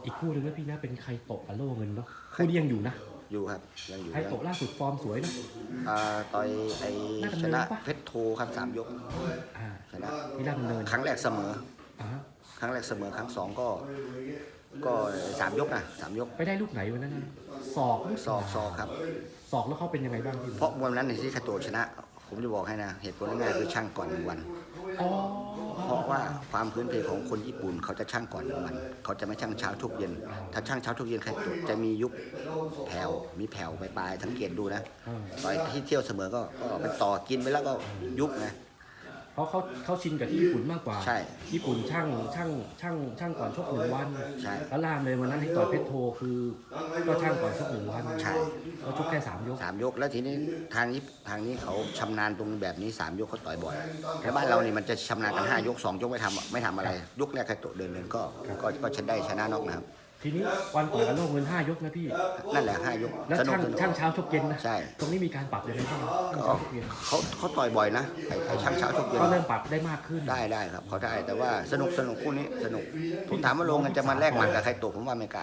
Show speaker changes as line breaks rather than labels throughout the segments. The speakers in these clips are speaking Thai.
อีกคู่หนึ่งนะพี่นะเป็นไคโตะกับโล่เงินเนาะคู่นี้ยังอยู่นะ
อยู่ครับยังอยู่
ไคโตะล่าสุดฟอร์มสวยนะ
ต่อยชนะ
ปะ
เพชรโทครับ3 ยกชนะ
ที่ราชดำเนิน
ครั้งแรกเสมอครั้งแรกเสมอครั้ง2ก็3 ยกนะ3 ยก
ไปได้ลูกไหนวันนั้นศอก
ครับ
ศอกแล้วเขาเป็นยังไงบ้างพี่
เพราะวันนั้นในที่ไคโตะชนะผมจะบอกให้นะเหตุผลง่ายๆคือช่างก่อน1 วันเพราะว่าความพื้นเพของคนญี่ปุ่นเขาจะช่างก่อน1 วันเขาจะไม่ช่างเช้าทุกเย็นถ้าช่างเช้าทุกเย็นไคโตะจะมียุบแผ่วมีแผ่วปลายสังเกตดูนะต่อยที่เที่ยวเสมอก็ไปต่อกินไปแล้วก็ยุบนะ
เพราะเขาชินกับที่ญี่ปุ่นมากกว่า
ใช่
ญี่ปุ่นช่างก่อนชก1 วัน
ใช่
แล้วล่ามเลยวันนั้นที่ต่อยเพชรโทคือก็ช่างก่อนชก1 วัน
ใช่
ก็ชกแค่3 ยก
3 ยกแล้วทีนี้ทางนี้เขาชำนาญตรงแบบนี้3 ยกเขาต่อยบ่อยแต่บ้านเรานี่มันจะชำนาญกัน5 ยก2 ยกไม่ทำอะไรยกแรกไคโตะเดินก็ชนะน็อกนะครับ
ทีนี้วันต่อยกับโลกเงิน5 ยกนะพี่
นั่นแหละ5 ยก
แล้วช่างเช้าชกเย็นนะ
ใช่
ตรงนี้มีการปรับยังไงบ้าง
เขาต่อยบ่อยนะไอ้ช่างเช้าชกเย็น
ก็เริ่มปรับได้มากขึ้น
ได้ครับเขาได้แต่ว่าสนุกคู่นี้สนุกผมถามว่าโลเงินจะมาแลกหมัดกับไคโตะผมว่าไม่กล้า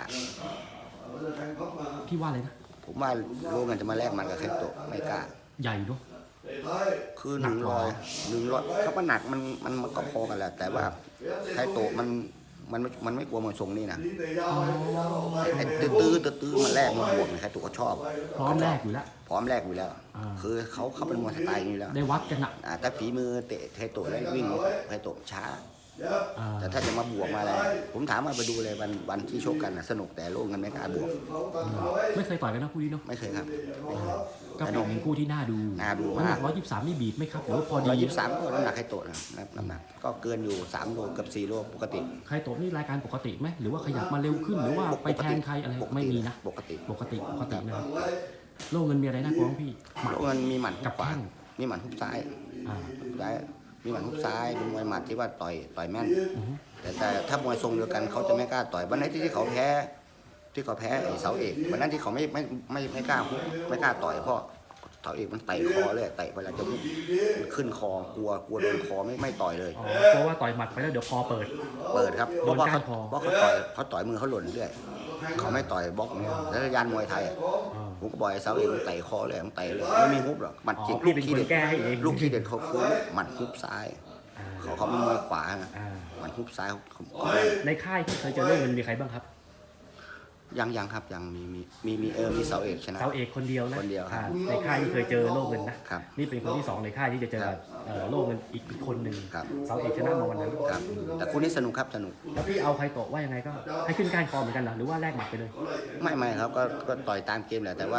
พี่ว่าอะไรนะ
ผมว่าโลเงินจะมาแลกหมัดกับไคโตะไม่กล้า
ใหญ่เนาะ
คือ100เขาว่าหนักมันก็พอกันแหละแต่ว่าไคโตะมันไม่กลัวมวยทรงนี่นะไอ้ตื้อมันแรกมันบวกไคโตะก็ชอบ
พร้อมแรกอยู่
แล้วคือเขาเป็นมวยสไตล์นี้แล้ว
ได้วัดกันนะ
แต่ฝีมือเตะไคโตะแล้ววิ่งไคโตะช้าแต่ถ้าจะมาบวกมาอะไรผมถามมาไปดูเลยวันที่ชกกันสนุกแต่โลกเงินไม่กล้าบวก
ไม่เคยต่อยกันนะคู่นี้เนาะ
ไม่เคยครับ
ก็เป็นคู่ที่น่าดูน้ำหนัก123นี่บีบไหมครับหรือพอดี
123ก็น้ำหนักไคโตะนะน้ำหนักก็เกินอยู่3 โลกับ4 โลปกติ
ไคโตะนี่รายการปกติไหมหรือว่าขยับมาเร็วขึ้นหรือว่าไปแทนใครอะไรไม่มีนะ
ปกติ
นะโลกเงินมีอะไรน่ากลัวพี่
โลกเงินมีหมัด
กับแข้ง
มีหมัดฮุบซ้ายมีหมัดฮุบซ้ายเป็นมวยหมัดที่ว่าต่อยแม่นแต่ถ้ามวยทรงเดียวกันเขาจะไม่กล้าต่อยวันไหนที่เขาแพ้ไอ้เสาเอกวันนั้นที่เขาไม่กล้าฮุบไม่กล้าต่อยเพราะเสาเอกมันเตะคอเลยเตะเวลาจะฮุบขึ้นคอกลัวโดนคอไม่ต่อยเลย
เพราะว่าต่อยหมัดไปแล้วเดี๋ยวคอเปิด
ครับเพราะเขาต่อยมือเขาหล่นเรื่อยเขาไม่ต่อยบล็อกเนี่ยแล้วยานมวยไทยผมก็บอกไอ้เสาเอกมันเตะคอเลยมันเตะเลยไม่มีฮุบหรอกหมัดจิกลูกที่เด็ดเขาคือหมัดฮุบซ้ายเขาไม่มวยขวานะหมัดฮุบซ้าย
ในค่ายที่เคยเจอเรื่องเงินมีใครบ้างครับ
ยังครับยังมีเสาเอกชนะ
เสาเอกคนเดียวนะในค่ายที่เคยเจอโลกเงินนะนี่เป็นคนที่2ในค่ายที่จะเจอโลกเงินอีกคนหนึ่งเสาเอกชนะมาวันนั้น
แต่คู่นี้สนุกครับสนุก
แล้วพี่เอาใครโตว่ายังไงก็ให้ขึ้นก้านคอเหมือนกันหรือว่าแลกหมัดไปเลย
ไม่ครับก็ต่อยตามเกมแหละแต่ว่า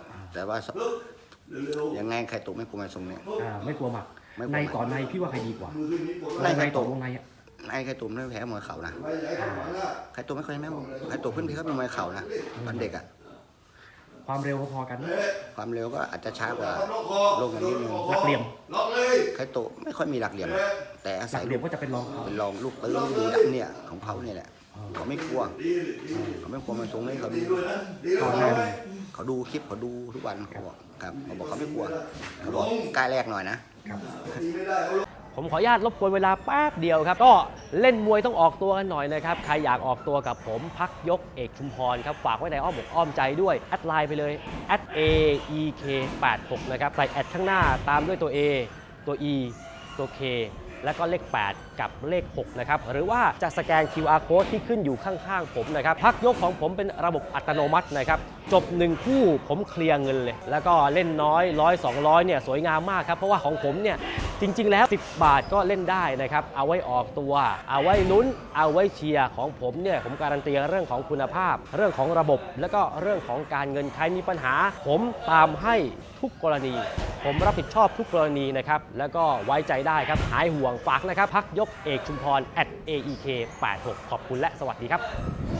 ยังไงใครโตไม่กลัวมาทรงเนี่ย
ไม่กลัวหมัดในต่อในพี่ว่าใครดีกว่า
ในใครโต
วงใน
ไข่ตุ่มไม่แพ้มวยเข่านะไข่ตุ่มไม่ค่อยแพ้ไข่ตุ่มเพื่อนพี่เขาเป็นมวยเข่านะตอนเด็ก
ความเร็วพอกัน
ความเร็วก็อาจจะช้ากว่าโลกนี้นิดนึง
หลักเหลี่ยม
ไข่ตุ่มไม่ค่อยมีหลักเหลี่ยมแต่อาศัย
เหลี่ยมก็จะเป็นรอง
ลูกตื้อดูดันเนี่ยของเขาเนี่ยแหละเขาไม่กลัวมันทรงนี้เขาดูคลิปเขาดูทุกวันเขาบอกครับเขาบอกเขาไม่กลัวเขาบอกกล้าแรกหน่อยนะ
ผมขออนุญาตรบกวนเวลาแป๊บเดียวครับก็เล่นมวยต้องออกตัวกันหน่อยนะครับใครอยากออกตัวกับผมพักยกเอกชุมพรครับฝากไว้ในอ้อมอกอ้อมใจด้วยแอดไลน์ไปเลย@aek86นะครับใส่แอดข้างหน้าตามด้วยตัว A ตัว E ตัว K แล้วก็เลข8กับเลข6นะครับหรือว่าจะสแกน QR Code ที่ขึ้นอยู่ข้างๆผมนะครับพักยกของผมเป็นระบบอัตโนมัตินะครับจบ1คู่ผมเคลียร์เงินเลยแล้วก็เล่นน้อย100 200เนี่ยสวยงามมากครับเพราะว่าของผมเนี่ยจริงๆแล้ว10 บาทก็เล่นได้นะครับเอาไว้ออกตัวเอาไว้ลุ้นเอาไว้เชียร์ของผมเนี่ยผมการันตีเรื่องของคุณภาพเรื่องของระบบแล้วก็เรื่องของการเงินใครมีปัญหาผมตามให้ทุกกรณีผมรับผิดชอบทุกกรณีนะครับแล้วก็ไว้ใจได้ครับหายห่วงฝากนะครับพักยกเอกชุมพร @aek86 ขอบคุณและสวัสดีครับ